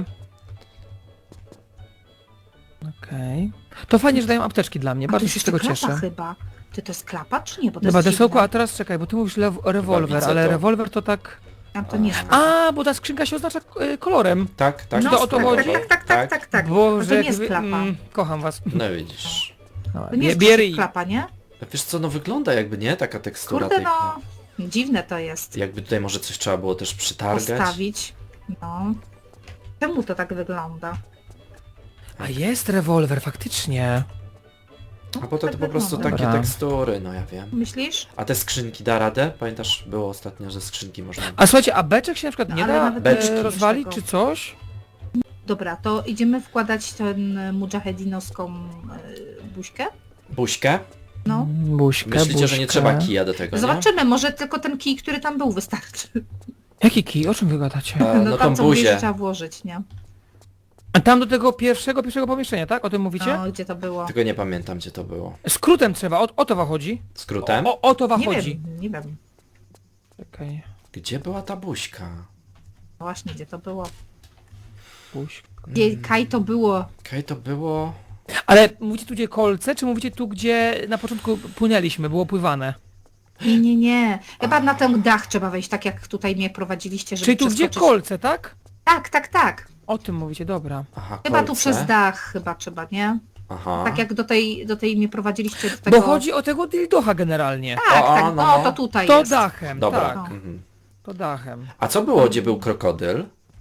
Speaker 2: Okej. To fajnie, że dają apteczki dla mnie,
Speaker 1: A
Speaker 2: bardzo
Speaker 1: to
Speaker 2: się z
Speaker 1: jest
Speaker 2: tego
Speaker 1: klapa
Speaker 2: cieszę.
Speaker 1: chyba. Ty to jest klapa, czy nie? Bo to
Speaker 2: Dobra,
Speaker 1: jest
Speaker 2: desełku,
Speaker 1: dziwne.
Speaker 2: a teraz czekaj, bo ty mówisz rewolwer,
Speaker 3: widzę
Speaker 2: ale
Speaker 3: to.
Speaker 2: rewolwer to tak...
Speaker 1: A to nie jest.
Speaker 2: A, bo ta skrzynka się oznacza kolorem.
Speaker 3: Tak.
Speaker 1: No,
Speaker 2: to o to
Speaker 1: tak,
Speaker 2: chodzi?
Speaker 1: tak.
Speaker 2: Boże,
Speaker 1: No to nie
Speaker 2: jak
Speaker 1: jest klapa.
Speaker 2: kocham was.
Speaker 3: No widzisz.
Speaker 2: Dobra,
Speaker 1: To nie jest
Speaker 2: bierij.
Speaker 1: klapa, nie?
Speaker 3: Wiesz co, no wygląda jakby, nie? Taka tekstura
Speaker 1: Kurde,
Speaker 3: tej...
Speaker 1: no. Dziwne to jest.
Speaker 3: Jakby tutaj może coś trzeba było też przytargać.
Speaker 1: Postawić. No. Czemu to tak wygląda?
Speaker 2: A jest rewolwer, faktycznie.
Speaker 3: A potem to po prostu
Speaker 1: wygląda.
Speaker 3: takie
Speaker 2: Dobra.
Speaker 3: tekstury, no ja wiem.
Speaker 1: Myślisz?
Speaker 3: A te skrzynki da radę? Pamiętasz, było ostatnio, że skrzynki można...
Speaker 2: A słuchajcie, a beczek się na przykład
Speaker 1: No,
Speaker 2: nie
Speaker 1: ale
Speaker 2: da
Speaker 1: nawet
Speaker 3: beczki
Speaker 2: rozwalić,
Speaker 1: tego.
Speaker 2: czy coś?
Speaker 1: Dobra, to idziemy wkładać ten mujahedinowską buźkę?
Speaker 3: Buźkę?
Speaker 1: No.
Speaker 2: Buźkę,
Speaker 3: Myślicie, że nie trzeba kija do tego, nie?
Speaker 1: Zobaczymy, może tylko ten kij, który tam był, wystarczy.
Speaker 2: Jaki kij? O czym wy gadacie?
Speaker 3: No
Speaker 1: tam
Speaker 3: tą
Speaker 1: co mówisz, że
Speaker 3: buzię.
Speaker 1: trzeba włożyć, nie?
Speaker 2: A tam do tego pierwszego pomieszczenia, tak? O tym mówicie?
Speaker 1: No, gdzie to było?
Speaker 3: Tylko nie pamiętam, gdzie to było.
Speaker 2: Skrótem trzeba, o to wam chodzi?
Speaker 3: Skrótem?
Speaker 2: O to wam
Speaker 1: Nie
Speaker 2: chodzi.
Speaker 1: wiem, nie wiem.
Speaker 2: Czekaj,
Speaker 3: Gdzie była ta buźka?
Speaker 1: No właśnie, gdzie to było?
Speaker 2: buźka.
Speaker 1: Gdzie Kaj to było?
Speaker 3: Okej, to było...
Speaker 2: Ale mówicie tu gdzie kolce, czy mówicie tu gdzie na początku płynęliśmy, było pływane?
Speaker 1: Nie. Chyba na ten dach trzeba wejść, tak jak tutaj mnie prowadziliście, żeby
Speaker 2: Czyli tu gdzie
Speaker 1: przeskoczyć.
Speaker 2: kolce, tak?
Speaker 1: Tak.
Speaker 2: O tym mówicie, dobra.
Speaker 3: Aha,
Speaker 1: Chyba tu
Speaker 3: kolce.
Speaker 1: przez dach chyba trzeba, nie?
Speaker 3: Aha.
Speaker 1: Tak jak do tej mnie prowadziliście do tego...
Speaker 2: Bo chodzi o tego dildocha generalnie.
Speaker 1: Tak,
Speaker 3: O,
Speaker 1: tak,
Speaker 3: no,
Speaker 1: no
Speaker 3: no.
Speaker 1: to tutaj
Speaker 2: To
Speaker 1: jest.
Speaker 2: dachem,
Speaker 3: Dobra.
Speaker 2: tak.
Speaker 3: Mhm.
Speaker 2: To dachem.
Speaker 3: A co było, gdzie był krokodyl?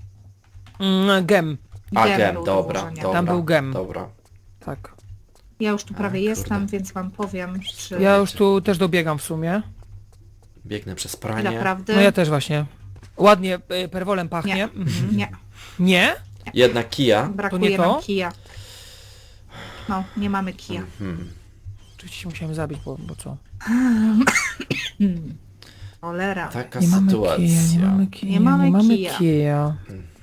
Speaker 2: Gem,
Speaker 3: A,
Speaker 1: Gem
Speaker 3: gem,
Speaker 1: był do
Speaker 3: dobra,
Speaker 1: włożenia.
Speaker 3: dobra.
Speaker 2: Tam był gem.
Speaker 3: Dobra.
Speaker 2: tak.
Speaker 1: Ja już tu prawie
Speaker 3: kurde.
Speaker 1: jestem, więc wam powiem, czy...
Speaker 2: Ja już tu też dobiegam w sumie.
Speaker 3: Biegnę przez
Speaker 1: Ile
Speaker 3: pranie.
Speaker 1: prawdy?
Speaker 2: No ja też właśnie. Ładnie perwolem pachnie.
Speaker 1: Nie.
Speaker 2: Mhm.
Speaker 1: Nie,
Speaker 2: Nie?
Speaker 3: Jednak kija.
Speaker 1: brakuje
Speaker 2: nie to?
Speaker 1: nam kija. No, nie mamy kija.
Speaker 3: Hmm.
Speaker 2: Oczywiście się musiałem zabić, bo co?
Speaker 1: Cholera.
Speaker 3: Taka
Speaker 2: Nie mamy
Speaker 3: sytuacja.
Speaker 2: kija, nie mamy kija,
Speaker 1: Nie mamy
Speaker 2: nie mamy
Speaker 1: kija.
Speaker 2: kija.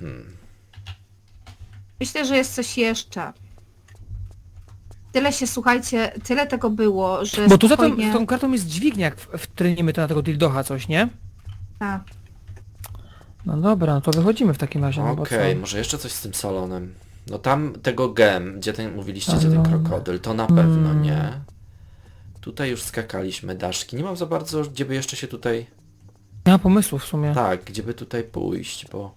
Speaker 1: Myślę, że jest coś jeszcze. Tyle się, słuchajcie, tyle tego było, że
Speaker 2: Bo tu za
Speaker 1: spokojnie...
Speaker 2: tą kartą jest dźwignia, jak wtrynimy to na tego dildocha coś, nie?
Speaker 1: Tak.
Speaker 2: No dobra, no to wychodzimy w takim razie, no bo co?
Speaker 3: Okej, może jeszcze coś z tym salonem. No tam tego gem, gdzie ten mówiliście, gdzie ten
Speaker 2: Salon.
Speaker 3: krokodyl, to na pewno nie. Tutaj już skakaliśmy daszki. Nie mam za bardzo, gdzie by jeszcze się tutaj...
Speaker 2: Nie ma pomysłu w sumie.
Speaker 3: Tak, gdzie by tutaj pójść, bo...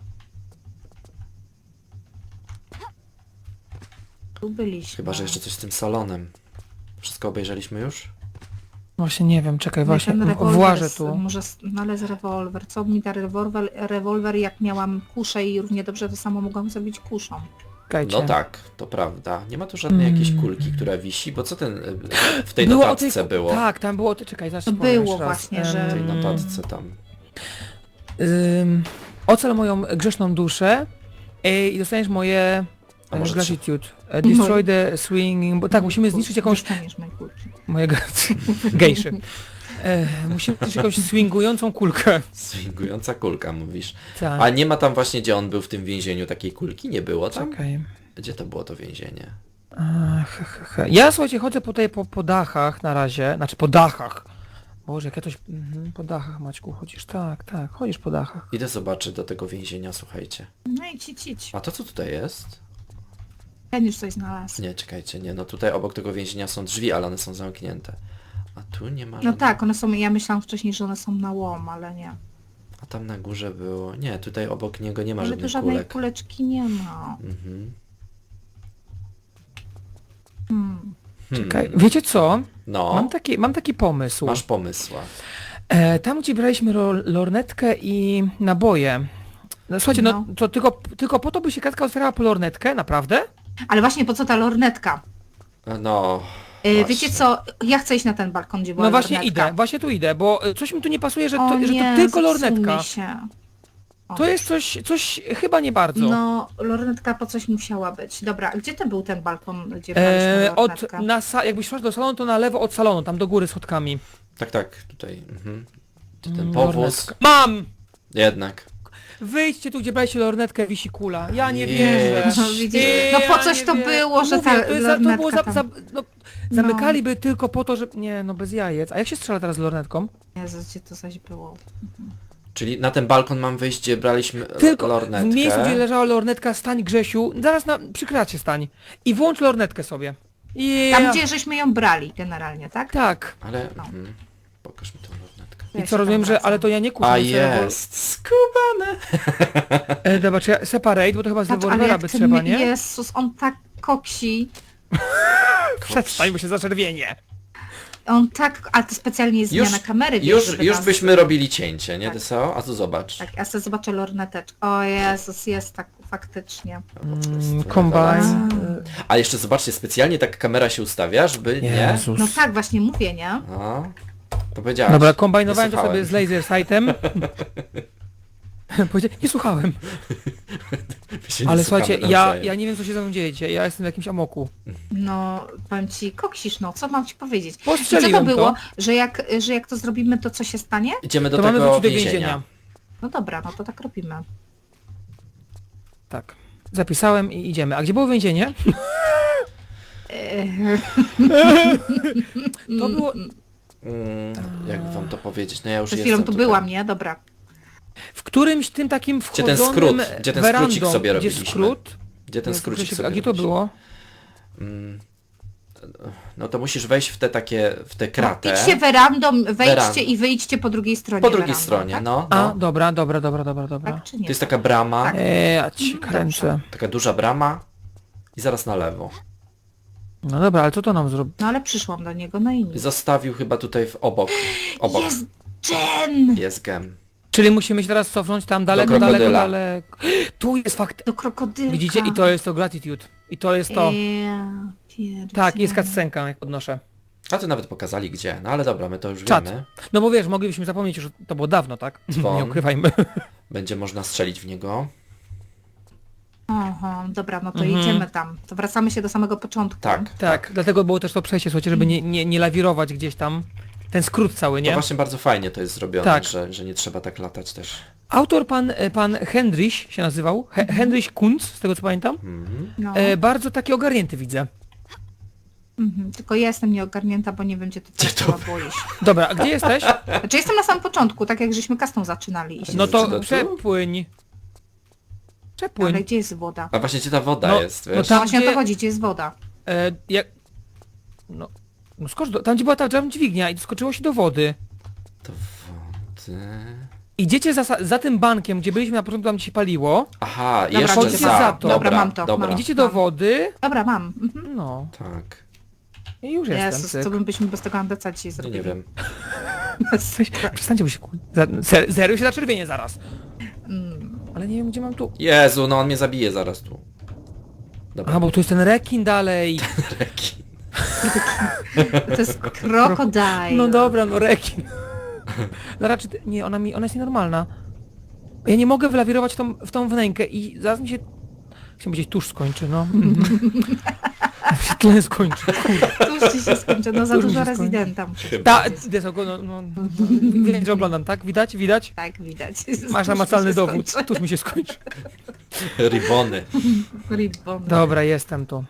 Speaker 1: Tu byliśmy.
Speaker 3: Chyba, że jeszcze coś z tym salonem. Wszystko obejrzeliśmy już?
Speaker 2: Właśnie nie wiem, czekaj,
Speaker 1: Nie,
Speaker 2: właśnie
Speaker 1: ten rewolwer
Speaker 2: włażę tu.
Speaker 1: Może znaleźć rewolwer. Co mi da rewolwer, jak miałam kuszę i równie dobrze to samo mogłam zrobić kuszą.
Speaker 2: Czekajcie.
Speaker 3: No tak, to prawda. Nie ma tu żadnej jakiejś kulki, która wisi, bo co ten w tej
Speaker 2: Było o
Speaker 3: notatce było?
Speaker 2: Tak, tam było, czekaj, zaraz
Speaker 1: To
Speaker 2: ci powiem
Speaker 1: było
Speaker 2: jeszcze raz.
Speaker 1: właśnie, że-
Speaker 3: W tej notatce tam.
Speaker 2: Ocal moją grzeszną duszę i dostaniesz moje
Speaker 3: A może
Speaker 2: gratitude. Destroy the swinging... Bo tak, musimy zniszczyć jakąś...
Speaker 1: Dostaniesz mojej kulki.
Speaker 2: Moje gejszy. Musimy zniszczyć jakąś swingującą kulkę.
Speaker 3: Swingująca kulka, mówisz.
Speaker 2: Tak.
Speaker 3: A nie ma tam właśnie, gdzie on był w tym więzieniu, takiej kulki? Nie było tam?
Speaker 2: Czekaj.
Speaker 3: Gdzie to było to więzienie?
Speaker 2: Ja słuchajcie, chodzę tutaj po dachach na razie, znaczy po dachach. Boże, jak ja coś... po dachach, Maćku, chodzisz, tak, chodzisz po dachach.
Speaker 3: Idę zobaczyć do tego więzienia, słuchajcie.
Speaker 1: No i idź.
Speaker 3: A to co tutaj jest?
Speaker 1: Ten już coś znalazł.
Speaker 3: Nie, czekajcie, nie, no tutaj obok tego więzienia są drzwi, ale one są zamknięte. A tu nie ma
Speaker 1: No
Speaker 3: żadnych...
Speaker 1: tak, one są, ja myślałam wcześniej, że one są na łom, ale nie.
Speaker 3: A tam na górze było... Nie, tutaj obok niego nie ma
Speaker 1: Ale tu
Speaker 3: żadnych
Speaker 1: żadnej
Speaker 3: kulek.
Speaker 1: kuleczki nie ma.
Speaker 3: Mhm.
Speaker 1: Hmm.
Speaker 2: Czekaj, wiecie co?
Speaker 3: No,
Speaker 2: Mam taki pomysł.
Speaker 3: masz pomysła.
Speaker 2: Tam, gdzie braliśmy lornetkę i naboje. No, słuchajcie, no to tylko po to by się kratka otwierała po lornetkę? Naprawdę?
Speaker 1: Ale właśnie po co ta lornetka?
Speaker 3: No,
Speaker 1: Wiecie
Speaker 3: właśnie.
Speaker 1: co, ja chcę iść na ten balkon, gdzie była
Speaker 2: No właśnie
Speaker 1: lornetka.
Speaker 2: właśnie tu idę, bo coś mi tu nie pasuje, że
Speaker 1: O
Speaker 2: to
Speaker 1: nie,
Speaker 2: tylko
Speaker 1: zepsuł
Speaker 2: lornetka.
Speaker 1: mi się. O.
Speaker 2: To jest coś chyba nie bardzo.
Speaker 1: No, lornetka po coś musiała być. Dobra, a gdzie to był ten balkon, gdzie braliśmy lornetkę?
Speaker 2: Jakbyś szła do salonu, to na lewo od salonu, tam do góry schodkami.
Speaker 3: Tak, tutaj. Ten powóz.
Speaker 2: Lornetka. Mam!
Speaker 3: Jednak.
Speaker 2: Wyjdźcie tu, gdzie braliście lornetkę, wisi kula. Ja nie
Speaker 3: Nie.
Speaker 2: wierzę.
Speaker 1: No, widzisz? No po
Speaker 2: Ja
Speaker 1: coś
Speaker 2: nie
Speaker 1: to
Speaker 2: wierzę.
Speaker 1: było, że
Speaker 2: Mówię,
Speaker 1: ta
Speaker 2: to jest to było
Speaker 1: lornetka tam.
Speaker 2: zamykaliby tylko po to, że... Nie, no bez jajec. A jak się strzela teraz z lornetką?
Speaker 1: Jezus, gdzie to zaś było?
Speaker 3: Czyli na ten balkon mam wyjść, gdzie braliśmy
Speaker 2: Tylko
Speaker 3: lornetkę.
Speaker 2: w miejscu, gdzie leżała lornetka, stań Grzesiu, zaraz przy kracie stań. I włącz lornetkę sobie.
Speaker 1: Tam, gdzie żeśmy ją brali generalnie, tak?
Speaker 2: Tak.
Speaker 3: Ale...
Speaker 1: No.
Speaker 3: Pokaż mi tą lornetkę.
Speaker 1: Ja
Speaker 2: I
Speaker 1: się
Speaker 2: co, rozumiem,
Speaker 1: tam
Speaker 2: że...
Speaker 1: wracam.
Speaker 2: Ale to ja nie kupię.
Speaker 3: A jest! Skubane!
Speaker 2: Dobra, czy ja... Separate, bo to chyba z
Speaker 1: Patrz, ale
Speaker 2: rewolwera
Speaker 1: jak
Speaker 2: by
Speaker 1: ten
Speaker 2: trzeba, nie?
Speaker 1: Jezus, on tak koksi.
Speaker 2: Przestań, bo się zaczerwienie.
Speaker 1: On tak, a to specjalnie jest zmiana kamery, wiesz, żeby
Speaker 3: Już
Speaker 1: nas-
Speaker 3: byśmy robili cięcie, nie
Speaker 1: Tak.
Speaker 3: Tyso? A tu zobacz.
Speaker 1: Tak, ja sobie zobaczę lorneteczkę. O Jezus, jest tak faktycznie.
Speaker 2: Combine.
Speaker 3: A jeszcze zobaczcie, specjalnie tak kamera się ustawia, żeby nie...
Speaker 2: Jezus.
Speaker 1: No tak, właśnie mówię, nie?
Speaker 3: No, to powiedziałaś.
Speaker 2: Dobra, kombinowałem
Speaker 3: Nie
Speaker 2: to sobie
Speaker 3: słuchałem.
Speaker 2: z laser sightem. Nie słuchałem.
Speaker 3: My się nie
Speaker 2: Ale
Speaker 3: słuchamy
Speaker 2: słuchajcie,
Speaker 3: nawzajem.
Speaker 2: ja nie wiem co się ze mną dzieje dzisiaj. Ja jestem w jakimś amoku.
Speaker 1: No, powiem ci, koksisz, no, co mam ci powiedzieć? I co to
Speaker 2: Postrzeliłem
Speaker 1: było,
Speaker 2: to.
Speaker 1: że jak to zrobimy, to co się stanie?
Speaker 3: Idziemy do
Speaker 2: To mamy
Speaker 3: tego
Speaker 2: wrócić do
Speaker 3: więzienia.
Speaker 2: więzienia.
Speaker 1: No dobra, no to tak robimy.
Speaker 2: Tak. Zapisałem i idziemy. A gdzie było więzienie? To było...
Speaker 3: Jak wam to powiedzieć? No ja już
Speaker 1: Przed
Speaker 3: jestem
Speaker 1: chwilą tu
Speaker 3: tutaj.
Speaker 1: byłam, nie? Dobra.
Speaker 2: W którymś tym takim
Speaker 3: Gdzie ten
Speaker 2: wchodzonym
Speaker 3: skrót? Gdzie ten
Speaker 2: werandą,
Speaker 3: skrócik sobie
Speaker 2: gdzie
Speaker 3: robiliśmy?
Speaker 2: skrót?
Speaker 3: Gdzie ten skrócik sobie
Speaker 2: A gdzie to
Speaker 3: robiliśmy?
Speaker 2: było?
Speaker 3: No to musisz wejść w te takie, w tę
Speaker 1: No,
Speaker 3: kratę.
Speaker 1: idźcie werandą, wejdźcie
Speaker 3: Werandą.
Speaker 1: i wyjdźcie po drugiej stronie
Speaker 3: Po drugiej
Speaker 1: werandą,
Speaker 3: stronie,
Speaker 1: tak?
Speaker 3: no.
Speaker 2: A,
Speaker 3: no.
Speaker 2: dobra.
Speaker 1: Tak czy nie?
Speaker 3: To jest taka brama,
Speaker 1: Tak.
Speaker 2: Ja ci kręcę.
Speaker 3: taka duża brama i zaraz na lewo.
Speaker 2: No dobra, ale co to nam zrobi?
Speaker 1: No ale przyszłam do niego, no i nic.
Speaker 3: Zostawił chyba tutaj obok. Obok.
Speaker 1: Jest Jen!
Speaker 3: Jest gem.
Speaker 2: Czyli musimy się teraz cofnąć tam daleko, daleko,
Speaker 3: krokodyla.
Speaker 2: daleko. Tu jest fakt.
Speaker 1: Do krokodylka.
Speaker 2: Widzicie? I to jest to gratitude. I to jest to.
Speaker 1: Ja pierdzielę.
Speaker 2: Tak, jest cutscenka, jak podnoszę.
Speaker 3: A tu nawet pokazali gdzie. No ale dobra, my to już
Speaker 2: Czad.
Speaker 3: wiemy.
Speaker 2: No bo wiesz, moglibyśmy zapomnieć, że to było dawno, tak?
Speaker 3: Dzwon.
Speaker 2: Nie ukrywajmy.
Speaker 3: Będzie można strzelić w niego.
Speaker 1: Aha, dobra, no to
Speaker 2: Mhm.
Speaker 1: jedziemy tam. To wracamy się do samego początku.
Speaker 3: Tak.
Speaker 2: Tak, dlatego było też to przejście, słuchajcie, żeby nie lawirować gdzieś tam. Ten skrót cały,
Speaker 3: To
Speaker 2: nie?
Speaker 3: właśnie bardzo fajnie to jest zrobione,
Speaker 2: Tak.
Speaker 3: że nie trzeba tak latać też.
Speaker 2: Autor pan Hendrich się nazywał, Hendrich Kunz, z tego co pamiętam.
Speaker 1: No.
Speaker 2: Bardzo taki ogarnięty widzę.
Speaker 1: Tylko ja jestem nieogarnięta, bo nie wiem, gdzie ty
Speaker 3: Gdzie
Speaker 1: teraz
Speaker 3: to
Speaker 1: była boisz.
Speaker 2: Dobra, a gdzie jesteś?
Speaker 1: Znaczy jestem na samym początku, tak jak żeśmy custom zaczynali. I się
Speaker 2: No
Speaker 1: zaczyna.
Speaker 2: to
Speaker 3: tu?
Speaker 2: przepłyń.
Speaker 1: Ale
Speaker 2: Przepłyń.
Speaker 1: gdzie jest woda?
Speaker 3: A właśnie gdzie ta woda
Speaker 2: No,
Speaker 3: jest,
Speaker 2: no
Speaker 3: wiesz?
Speaker 2: tam,
Speaker 1: No właśnie o
Speaker 2: gdzie-
Speaker 1: to chodzi, gdzie jest woda?
Speaker 2: Jak... No skocz tam gdzie była ta dźwignia i skoczyło się do wody.
Speaker 3: To wody...
Speaker 2: Idziecie za tym bankiem, gdzie byliśmy na początku, tam gdzie się paliło.
Speaker 3: Aha,
Speaker 1: Dobra,
Speaker 3: jeszcze
Speaker 2: chodźcie
Speaker 3: za.
Speaker 2: za to.
Speaker 1: Dobra, mam to,
Speaker 3: Dobra.
Speaker 1: mam.
Speaker 2: Idziecie do
Speaker 1: Mam.
Speaker 2: wody.
Speaker 1: Dobra, mam. Mhm.
Speaker 2: No.
Speaker 3: Tak.
Speaker 2: I już jestem.
Speaker 1: Jezus,
Speaker 2: cyk.
Speaker 1: co byśmy bez tego andeca dzisiaj
Speaker 3: Nie,
Speaker 1: zrobili?
Speaker 3: nie wiem.
Speaker 2: Przestańcie, bo się Zero się zaczerwienie zaraz. Ale nie wiem, gdzie mam tu.
Speaker 3: Jezu, no on mnie zabije zaraz tu. Dobra.
Speaker 2: Aha, bo tu jest ten rekin dalej.
Speaker 3: Rekin.
Speaker 1: To jest krokodyl.
Speaker 2: No dobra, no rekin. No raczej, nie, ona jest nienormalna. Ja nie mogę wylawirować w tą wnękę i zaraz mi się... Chciałem powiedzieć, tuż skończy, no. się tlen skończy.
Speaker 1: Tuż ci się skończy, no za
Speaker 2: Tuż mi
Speaker 1: dużo
Speaker 2: się skończy.
Speaker 1: rezydenta muszę.
Speaker 3: Chyba.
Speaker 2: Widać, że oglądam, tak? Widać?
Speaker 1: Tak, widać.
Speaker 2: Masz
Speaker 1: Tuż mi
Speaker 2: namacalny
Speaker 1: się
Speaker 2: dowód.
Speaker 1: skończy.
Speaker 2: Tuż mi się skończy.
Speaker 3: Ribony.
Speaker 1: Ribbon.
Speaker 2: Dobra, jestem tu.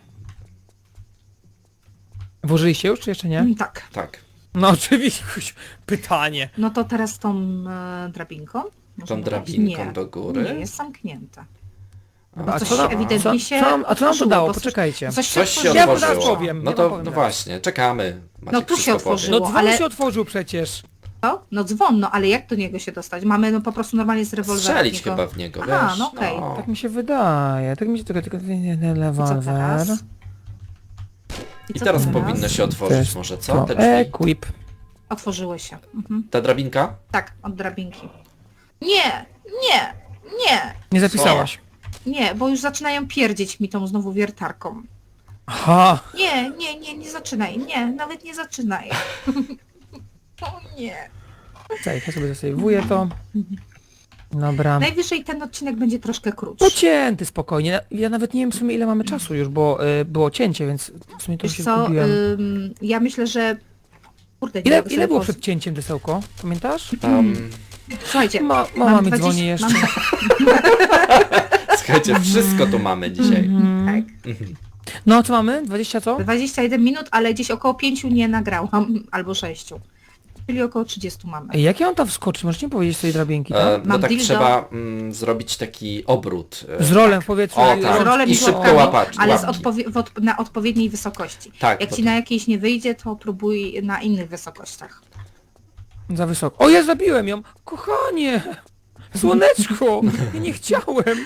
Speaker 2: Włożyliście już, czy jeszcze nie?
Speaker 1: Tak.
Speaker 3: Tak.
Speaker 2: No oczywiście, pytanie.
Speaker 1: No to teraz tą drabinką?
Speaker 3: Tą
Speaker 1: możemy
Speaker 3: drabinką
Speaker 1: wejść?
Speaker 3: do góry.
Speaker 1: Nie, jest zamknięta.
Speaker 2: A
Speaker 1: coś
Speaker 2: co nam,
Speaker 1: ewidentnie się
Speaker 2: a co nam to
Speaker 1: otworzyło,
Speaker 2: dało?
Speaker 1: bo coś-
Speaker 2: Poczekajcie.
Speaker 1: Coś
Speaker 3: Coś się
Speaker 2: Ja
Speaker 1: otworzyło.
Speaker 2: zaraz
Speaker 3: otworzyło.
Speaker 2: powiem,
Speaker 3: No
Speaker 2: ja
Speaker 3: to
Speaker 2: powiem
Speaker 3: no
Speaker 2: zaraz.
Speaker 3: właśnie, czekamy. Maciek
Speaker 1: No tu się
Speaker 3: wszystko powie.
Speaker 1: otworzyło.
Speaker 2: No dzwon
Speaker 1: ale-
Speaker 2: się otworzył przecież.
Speaker 1: Co? No dzwon, no ale jak do niego się dostać? Mamy no po prostu normalnie z rewolwera.
Speaker 3: Strzelić
Speaker 1: w niego.
Speaker 3: chyba w niego,
Speaker 1: Aha,
Speaker 3: wiesz?
Speaker 1: no okej.
Speaker 2: Tak mi się wydaje. Tak mi się tylko
Speaker 1: Co
Speaker 2: rewolwer.
Speaker 1: teraz?
Speaker 3: I
Speaker 1: co
Speaker 3: teraz
Speaker 1: teraz?
Speaker 3: powinno się otworzyć
Speaker 2: Test
Speaker 3: może, co?
Speaker 2: To
Speaker 3: Te drzwi.
Speaker 2: equip.
Speaker 1: Otworzyły się. Mhm.
Speaker 3: Ta drabinka?
Speaker 1: Tak, od drabinki. Nie, nie, nie,
Speaker 2: Nie zapisałaś.
Speaker 1: nie, bo już zaczynają pierdzieć mi tą znowu wiertarką.
Speaker 2: Aha.
Speaker 1: Nie, nie, nie, nie zaczynaj, nie, nawet nie zaczynaj. O nie.
Speaker 2: Czekaj, ja sobie zasejwuję to. Dobra.
Speaker 1: Najwyżej ten odcinek będzie troszkę krótszy.
Speaker 2: Pocięty spokojnie. Ja nawet nie wiem w sumie ile mamy czasu już, bo było cięcie, więc w sumie to
Speaker 1: Wiesz
Speaker 2: się
Speaker 1: co,
Speaker 2: zgubiłem.
Speaker 1: ja myślę, że... Kurde, nie
Speaker 2: Ile,
Speaker 1: mogę
Speaker 2: ile
Speaker 1: sobie
Speaker 2: było
Speaker 1: poz-
Speaker 2: przed cięciem, Desełko? Pamiętasz?
Speaker 1: Słuchajcie,
Speaker 2: Mama
Speaker 1: mam
Speaker 2: mi
Speaker 1: 20
Speaker 2: dzwoni jeszcze.
Speaker 1: Mam,
Speaker 3: Słuchajcie, wszystko tu mamy dzisiaj.
Speaker 1: tak,
Speaker 2: No, co mamy? 20 co?
Speaker 1: 21 minut, ale gdzieś około 5 nie nagrałam, albo 6. Czyli około 30 mamy.
Speaker 2: Ej, jak ja on tam wskoczy? Możesz mi powiedzieć z tej drabinki, tak?
Speaker 3: No
Speaker 1: Mam
Speaker 3: tak
Speaker 1: dildo.
Speaker 3: trzeba zrobić taki obrót.
Speaker 2: Z rolem w powietrzu.
Speaker 3: O,
Speaker 2: i-
Speaker 3: tak.
Speaker 1: Z rolem
Speaker 3: I
Speaker 1: i
Speaker 3: szybko
Speaker 1: łapkami,
Speaker 3: łapać,
Speaker 1: ale z
Speaker 3: łapki.
Speaker 1: na odpowiedniej wysokości.
Speaker 3: Tak,
Speaker 1: Jak
Speaker 3: bo
Speaker 1: ci na jakiejś nie wyjdzie, to próbuj na innych wysokościach.
Speaker 2: Za wysoko. O, ja zabiłem ją! Kochanie! Słoneczko! Ja nie chciałem!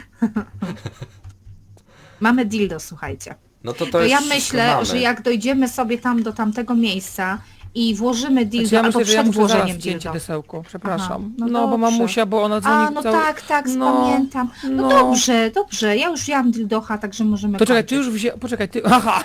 Speaker 1: Mamy dildo, słuchajcie.
Speaker 3: No to
Speaker 1: To ja
Speaker 3: już
Speaker 1: myślę,
Speaker 3: mamy.
Speaker 1: że jak dojdziemy sobie tam do tamtego miejsca i włożymy dildo,
Speaker 2: Znaczy, ja
Speaker 1: albo
Speaker 2: myślę, że ja
Speaker 1: przed
Speaker 2: muszę zaraz
Speaker 1: włożeniem
Speaker 2: wcięcie
Speaker 1: dildo.
Speaker 2: Desełko. Przepraszam.
Speaker 1: Aha, no
Speaker 2: No, bo
Speaker 1: dobrze.
Speaker 2: mamusia, bo ona dzwoni
Speaker 1: A, no
Speaker 2: cały...
Speaker 1: tak,
Speaker 2: No,
Speaker 1: pamiętam. No,
Speaker 2: no.
Speaker 1: dobrze, dobrze, ja już wzięłam dildocha, także możemy
Speaker 2: To czekaj, ty
Speaker 1: kończyć.
Speaker 2: już Poczekaj, ty... Aha!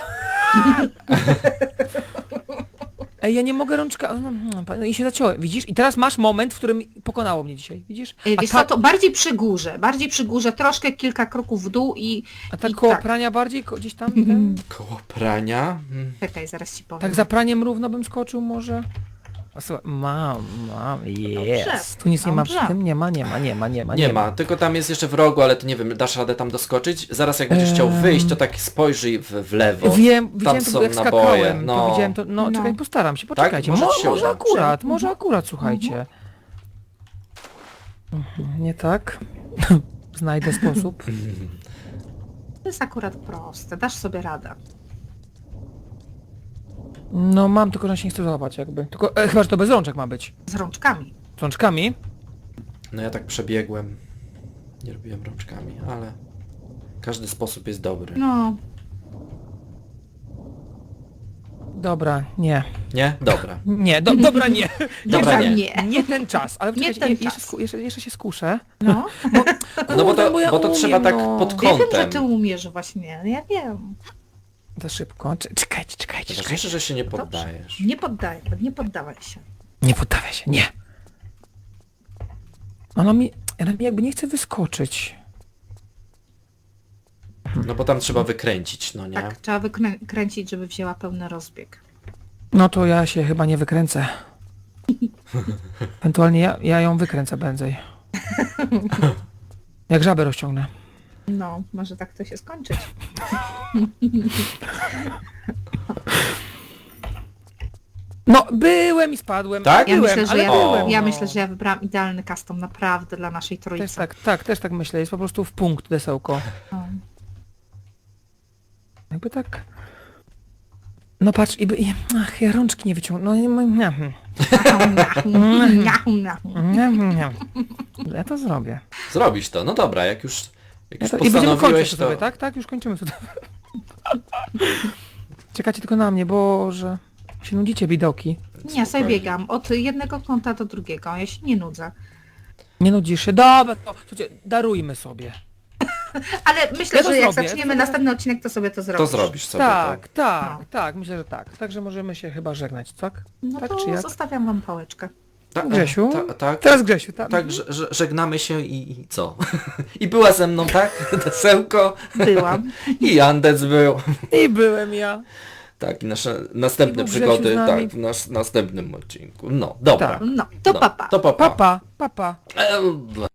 Speaker 2: Ej, ja nie mogę rączka... No i się zaciąłem, widzisz? I teraz masz moment, w którym pokonało mnie dzisiaj, widzisz?
Speaker 1: Wiesz co, to bardziej przy górze, troszkę kilka kroków w dół i...
Speaker 2: A tak
Speaker 1: i
Speaker 2: koło
Speaker 1: tak.
Speaker 2: prania bardziej, gdzieś tam? Ten?
Speaker 3: Koło prania?
Speaker 1: Czekaj, zaraz ci powiem.
Speaker 2: Tak za praniem równo bym skoczył może? A słuchaj, mam, jest. Tu nic nie ma przy
Speaker 1: dobrze.
Speaker 2: tym? Nie ma.
Speaker 3: Nie ma, tylko tam jest jeszcze w rogu, ale to nie wiem, dasz radę tam doskoczyć? Zaraz jak będziesz chciał wyjść, to tak spojrzyj w lewo.
Speaker 2: Widziałem
Speaker 3: są
Speaker 2: to, jak
Speaker 3: naboje,
Speaker 2: skakałem,
Speaker 3: no.
Speaker 2: to widziałem to, no,
Speaker 1: No.
Speaker 2: czekaj, postaram się, poczekajcie,
Speaker 3: Może ci się
Speaker 2: może
Speaker 3: uda.
Speaker 2: akurat, słuchajcie. Nie tak? Znajdę sposób.
Speaker 1: To jest akurat proste, dasz sobie radę.
Speaker 2: No mam, tylko że się nie chcę załapać jakby. Tylko, chyba, że to bez rączek ma być.
Speaker 1: Z rączkami.
Speaker 2: Z rączkami?
Speaker 3: No ja tak przebiegłem. Nie robiłem rączkami, ale każdy sposób jest dobry.
Speaker 1: No,
Speaker 2: Dobra, nie.
Speaker 3: Nie? Dobra.
Speaker 2: Nie, dobra nie.
Speaker 3: Dobra, nie.
Speaker 1: nie.
Speaker 2: Nie ten czas, ale
Speaker 1: Nie
Speaker 2: czekajcie,
Speaker 1: ten
Speaker 2: jeszcze,
Speaker 1: czas.
Speaker 2: jeszcze się skuszę.
Speaker 1: No.
Speaker 3: No bo
Speaker 2: Kurde,
Speaker 3: to,
Speaker 2: ja
Speaker 3: bo to
Speaker 2: umiem,
Speaker 3: trzeba tak
Speaker 2: no.
Speaker 3: pod
Speaker 1: Ja wiem, że
Speaker 3: kątem.
Speaker 1: ty umiesz właśnie, ja wiem.
Speaker 2: Za szybko. Czekajcie.
Speaker 3: Ważniejsze, że się nie poddajesz.
Speaker 1: Nie poddawaj się.
Speaker 2: Nie poddawaj się, nie. Ona mi jakby nie chce wyskoczyć.
Speaker 3: No bo tam trzeba wykręcić, no nie?
Speaker 1: Tak, trzeba wykręcić, żeby wzięła pełny rozbieg.
Speaker 2: No to ja się chyba nie wykręcę. Ewentualnie ja ją wykręcę prędzej. Jak żabę rozciągnę.
Speaker 1: No, może tak to się skończyć.
Speaker 2: No, byłem i spadłem.
Speaker 3: Tak?
Speaker 1: Ja
Speaker 2: Byłem,
Speaker 1: myślę, że
Speaker 2: ale
Speaker 1: ja,
Speaker 2: byłem.
Speaker 1: ja
Speaker 2: no.
Speaker 1: myślę, że ja wybrałam idealny custom naprawdę dla naszej trójcy.
Speaker 2: Też tak myślę. Jest po prostu w punkt desełko.
Speaker 1: O.
Speaker 2: Jakby tak... No patrz, ach, ja rączki nie wyciągnę. No, ja to zrobię.
Speaker 3: Zrobisz to, no dobra, jak już
Speaker 2: I będziemy
Speaker 3: postanowiłeś,
Speaker 2: kończyć
Speaker 3: to...
Speaker 2: to sobie, tak? Tak, już kończymy to. Czekacie tylko na mnie, Boże. Się nudzicie, bidoki.
Speaker 1: Nie, ja sobie biegam od jednego kąta do drugiego, ja się nie nudzę.
Speaker 2: Nie nudzisz się? Dobra, to słuchajcie, darujmy sobie.
Speaker 1: Ale myślę,
Speaker 2: Ja to
Speaker 1: że jak
Speaker 2: zrobię.
Speaker 1: zaczniemy następny odcinek, to sobie to
Speaker 3: To
Speaker 1: zrobisz.
Speaker 3: zrobisz sobie
Speaker 2: Tak,
Speaker 3: to.
Speaker 2: tak,
Speaker 1: No.
Speaker 2: tak, myślę, że tak. Także możemy się chyba żegnać, tak?
Speaker 1: No
Speaker 2: tak
Speaker 1: to
Speaker 2: czy jak?
Speaker 1: zostawiam wam pałeczkę.
Speaker 2: Grzesiu?
Speaker 3: Tak,
Speaker 2: Teraz Grzesiu, tak?
Speaker 3: tak, żegnamy się i co? I była ze mną, tak? Desełko
Speaker 1: Byłam.
Speaker 3: i Andec był.
Speaker 2: I byłem ja.
Speaker 3: Tak, i nasze następne
Speaker 2: I był Grzesiu
Speaker 3: przygody,
Speaker 2: z nami.
Speaker 3: tak, w następnym odcinku. No, dobra.
Speaker 2: Tak.
Speaker 1: No, to
Speaker 3: No,
Speaker 1: papa.
Speaker 3: To papa.
Speaker 2: Papa.
Speaker 3: Eee,